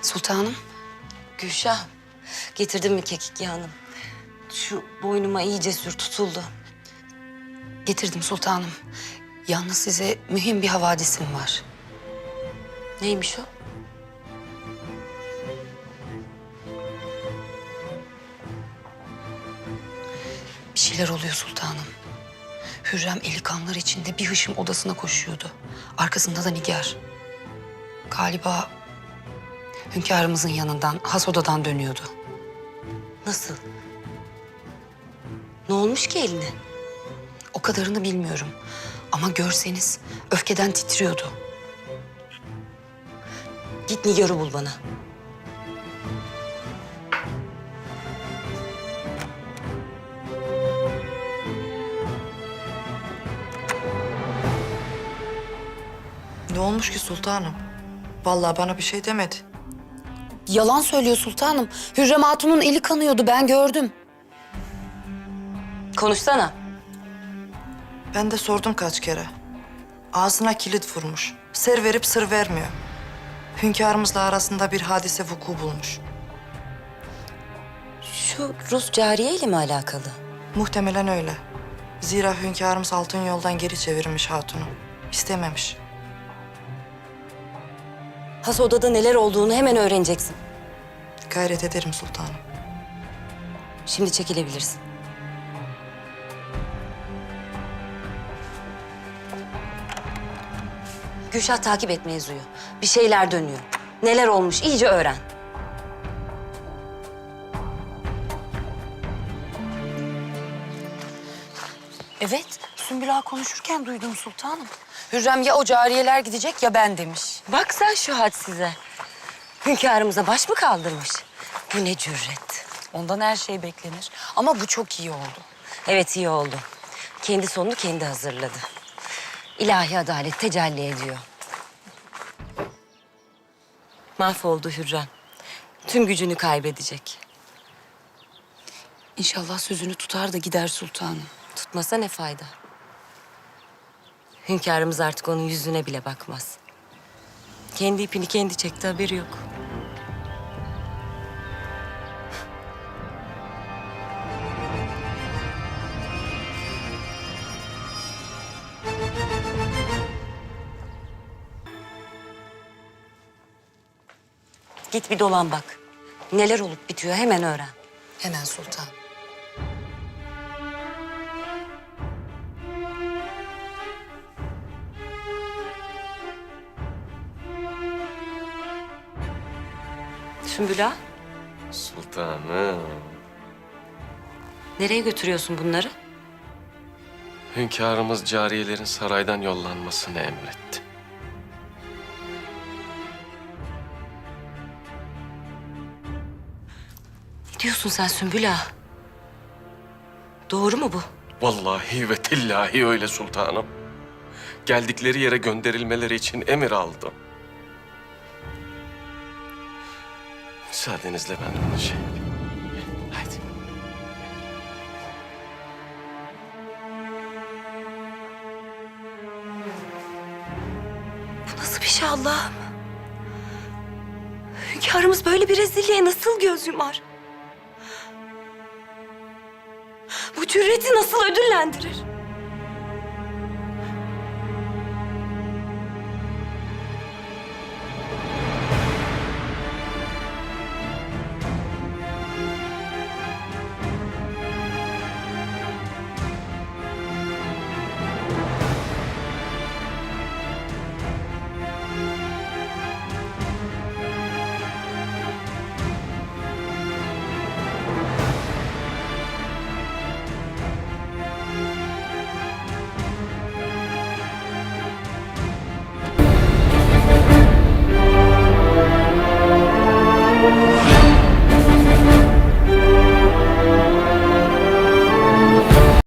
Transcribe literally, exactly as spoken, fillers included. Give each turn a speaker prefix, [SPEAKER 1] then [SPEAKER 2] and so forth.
[SPEAKER 1] Sultanım.
[SPEAKER 2] Gülşah, getirdin mi kekik yağını? Şu boynuma iyice sür, tutuldu.
[SPEAKER 1] Getirdim sultanım. Yalnız size mühim bir havadisim var.
[SPEAKER 2] Neymiş o?
[SPEAKER 1] Bir şeyler oluyor sultanım. Hürrem eli kanlar içinde bir hışım odasına koşuyordu. Arkasında da Nigar. Galiba hünkârımızın yanından, has odadan dönüyordu.
[SPEAKER 2] Nasıl? Ne olmuş ki eline?
[SPEAKER 1] O kadarını bilmiyorum. Ama görseniz öfkeden titriyordu.
[SPEAKER 2] Git Nigar'ı bul bana.
[SPEAKER 3] Ne olmuş ki sultanım? Vallahi bana bir şey demedi.
[SPEAKER 1] Yalan söylüyor sultanım. Hürrem Hatun'un eli kanıyordu, ben gördüm.
[SPEAKER 2] Konuşsana.
[SPEAKER 3] Ben de sordum kaç kere. Ağzına kilit vurmuş. Ser verip sır vermiyor. Hünkârımızla arasında bir hadise vuku bulmuş.
[SPEAKER 2] Şu Rus cariye ile mi alakalı?
[SPEAKER 3] Muhtemelen öyle. Zira hünkârımız altın yoldan geri çevirmiş hatunu. İstememiş.
[SPEAKER 2] Has odada neler olduğunu hemen öğreneceksin.
[SPEAKER 3] Gayret ederim sultanım.
[SPEAKER 2] Şimdi çekilebilirsin. Gülşah takip et mevzuyu. Bir şeyler dönüyor. Neler olmuş iyice öğren.
[SPEAKER 1] Evet, Sümbül Ağa konuşurken duydum sultanım. Hürrem ya o cariyeler gidecek ya ben demiş.
[SPEAKER 2] Bak sen şu hadsize. Hünkârımıza baş mı kaldırmış? Bu ne cüret.
[SPEAKER 1] Ondan her şey beklenir. Ama bu çok iyi oldu.
[SPEAKER 2] Evet iyi oldu. Kendi sonunu kendi hazırladı. İlahi adalet tecelli ediyor. Mahvoldu Hürrem. Tüm gücünü kaybedecek.
[SPEAKER 1] İnşallah sözünü tutar da gider sultanım.
[SPEAKER 2] Tutmasa ne fayda? Hünkârımız artık onun yüzüne bile bakmaz. Kendi ipini kendi çekti, haberi yok. Git bir dolan bak. Neler olup bitiyor hemen öğren.
[SPEAKER 1] Hemen sultanım.
[SPEAKER 2] Sümbül Ağa,
[SPEAKER 4] Sultanım.
[SPEAKER 2] nereye götürüyorsun bunları?
[SPEAKER 4] Hünkârımız cariyelerin saraydan yollanmasını emretti.
[SPEAKER 2] Ne diyorsun sen Sümbül Ağa? Doğru mu bu?
[SPEAKER 4] Vallahi ve tillahi öyle sultanım. Geldikleri yere gönderilmeleri için emir aldım. Müsaadenizle ben onu şey yapayım. Haydi.
[SPEAKER 2] Bu nasıl bir şey Allah'ım? Hünkârımız böyle bir rezilliğe nasıl göz yumar? Bu cüreti nasıl ödüllendirir?